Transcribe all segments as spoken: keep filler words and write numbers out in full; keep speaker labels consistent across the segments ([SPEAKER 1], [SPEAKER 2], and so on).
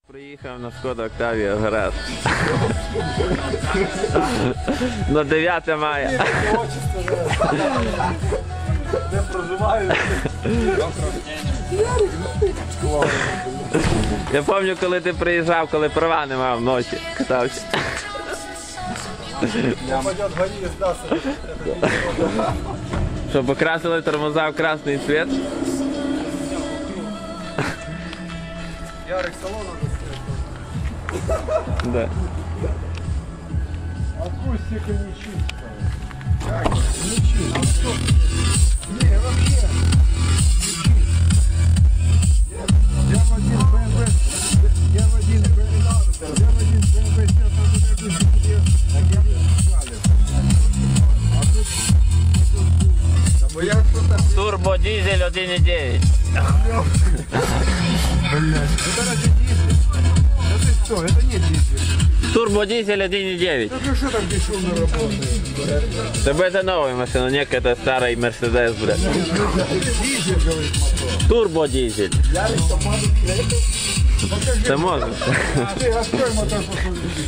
[SPEAKER 1] Приїхав на Шкода Октавія гараж. На дев'яте мая.
[SPEAKER 2] Де проживаю?
[SPEAKER 1] Я пам'ятаю, коли ти приїжджав, коли права не мав вночі. Катався.
[SPEAKER 2] Пойдет гони, сдастся.
[SPEAKER 1] Що, покрасили тормоза в красний цвет?
[SPEAKER 2] Ярик, салон надо снять.
[SPEAKER 1] Да.
[SPEAKER 2] Акустика не чистая. Как? Не чистая. Не, вообще. Я в один бэ эм вэ, я в один бэ эм вэ, я в один бэ эм вэ снял, там не так себе, так я взяли. А тут, а я что-то...
[SPEAKER 1] Турбодизель один і дев'ять.
[SPEAKER 2] Блядь, это разве дизель? Это что? Это не дизель.
[SPEAKER 1] Турбодизель один і дев'ять.
[SPEAKER 2] Ну что так бесшумно работает?
[SPEAKER 1] Тебе это новая машина, не какая-то старый Мерседес, блядь.
[SPEAKER 2] Дизель, говорит, мотор.
[SPEAKER 1] Турбодизель. Ты можешь.
[SPEAKER 2] Ты открой мотор, посмотри.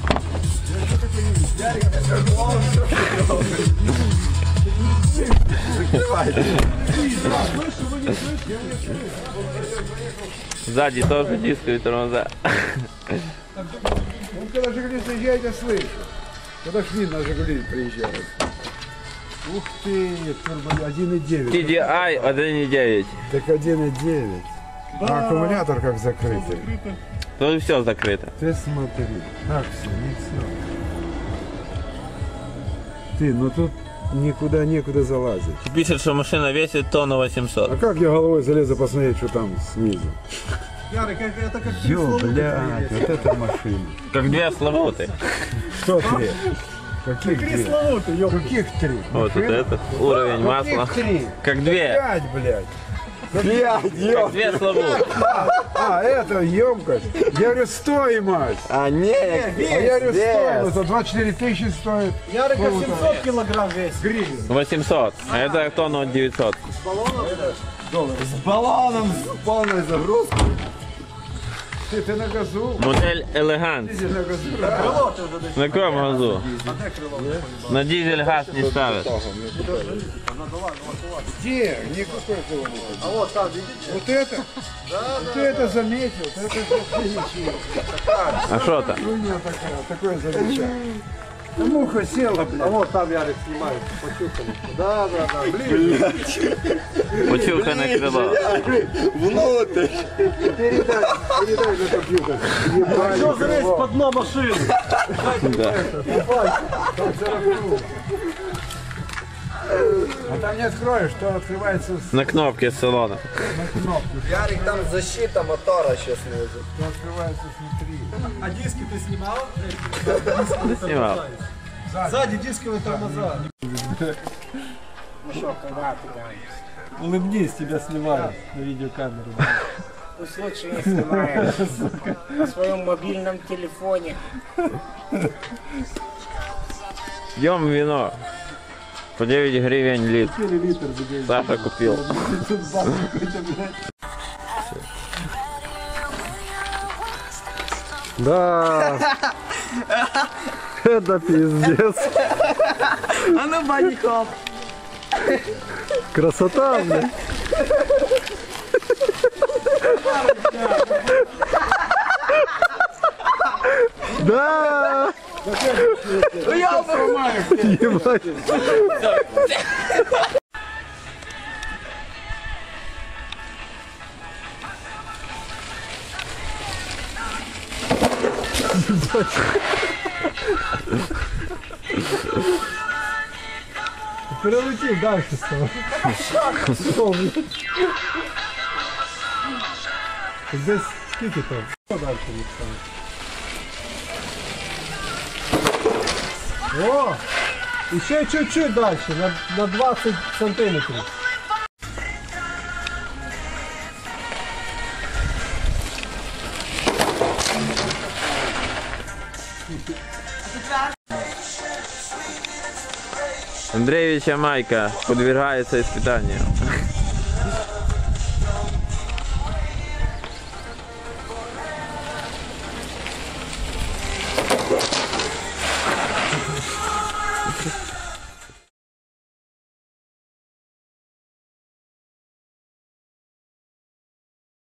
[SPEAKER 2] Закрывай.
[SPEAKER 1] Сзади тоже дисковые тормоза.
[SPEAKER 2] Он когда Жигули заезжает, я слышу. Когда Швин на Жигули приезжает. Ух ты, турбо один и девять.
[SPEAKER 1] ти ди ай один і дев'ять.
[SPEAKER 2] Так один и девять. А аккумулятор как закрытый.
[SPEAKER 1] Тут все закрыто.
[SPEAKER 2] Ты смотри. Так все, не все. Ты, ну тут никуда некуда залазить.
[SPEAKER 1] Пишет, что машина весит тонну восемьсот.
[SPEAKER 2] А как я головой залезу посмотреть, что там снизу?
[SPEAKER 3] Ярик, это как
[SPEAKER 2] Ё, блядь, вот это машина.
[SPEAKER 1] Как две славуты.
[SPEAKER 2] Что три? Каких три?
[SPEAKER 3] пресловутый, ёб.
[SPEAKER 2] Каких три?
[SPEAKER 1] Вот это, это уровень масла.
[SPEAKER 2] Каких три?
[SPEAKER 1] Как две.
[SPEAKER 2] Пять, блядь. Пять,
[SPEAKER 1] Как
[SPEAKER 2] ё.
[SPEAKER 1] две славуты.
[SPEAKER 2] А, это емкость. Я говорю, стоимость.
[SPEAKER 4] А не,
[SPEAKER 2] А я говорю, стоимость. А двадцать четыре тысячи стоит.
[SPEAKER 3] Ярик семьсот килограмм весит.
[SPEAKER 2] Гривен.
[SPEAKER 1] восемьсот. А это тонну девятьсот.
[SPEAKER 4] с баллоном, с полной загрузкой.
[SPEAKER 2] Ты, ты на газу?
[SPEAKER 1] Модель Элегант.
[SPEAKER 2] Ты на газу?
[SPEAKER 3] Крыло ты уже дышишь.
[SPEAKER 1] На каком газу?
[SPEAKER 3] А где крыло?
[SPEAKER 1] На дизель газ не ставят.
[SPEAKER 2] Где? Никакой этого нет.
[SPEAKER 3] А вот там, видите?
[SPEAKER 2] Вот это? Да, Ты это заметил? Это вообще ничего.
[SPEAKER 1] А что то?
[SPEAKER 2] Хуйня такая, такое замечание. А муха села,
[SPEAKER 3] А
[SPEAKER 2] блядь.
[SPEAKER 3] вот там Ярик снимает, почувствовали. Да, да, да, ближе.
[SPEAKER 1] Почухане крило.
[SPEAKER 4] Внутрь.
[SPEAKER 2] Передай, передай на компьютер.
[SPEAKER 3] А что залезть под дно машины?
[SPEAKER 1] Да.
[SPEAKER 2] А там не откроешь, что открывается с
[SPEAKER 1] На кнопке с салона.
[SPEAKER 2] кнопки,
[SPEAKER 4] Ярик, там защита мотора сейчас лежит.
[SPEAKER 2] что открывается снутри.
[SPEAKER 3] А диски ты снимал?
[SPEAKER 1] Да снимал.
[SPEAKER 3] Сзади дисковые тормоза. Улыбнись, тебя снимают на видеокамеру.
[SPEAKER 5] Ты случайно снимаешь на своем мобильном телефоне.
[SPEAKER 1] Пьем вино. По девять гривен литр.
[SPEAKER 3] Литр забей.
[SPEAKER 1] Саша купил.
[SPEAKER 2] Да. Это пиздец.
[SPEAKER 4] А ну, баников.
[SPEAKER 2] Красота, блядь. Да. Ебать.
[SPEAKER 3] Перелетим дальше стало. Здесь сколько там? Что дальше не станет? О! Еще чуть-чуть дальше, на, на двадцать сантиметров.
[SPEAKER 1] Андреевича майка подвергается испытанию.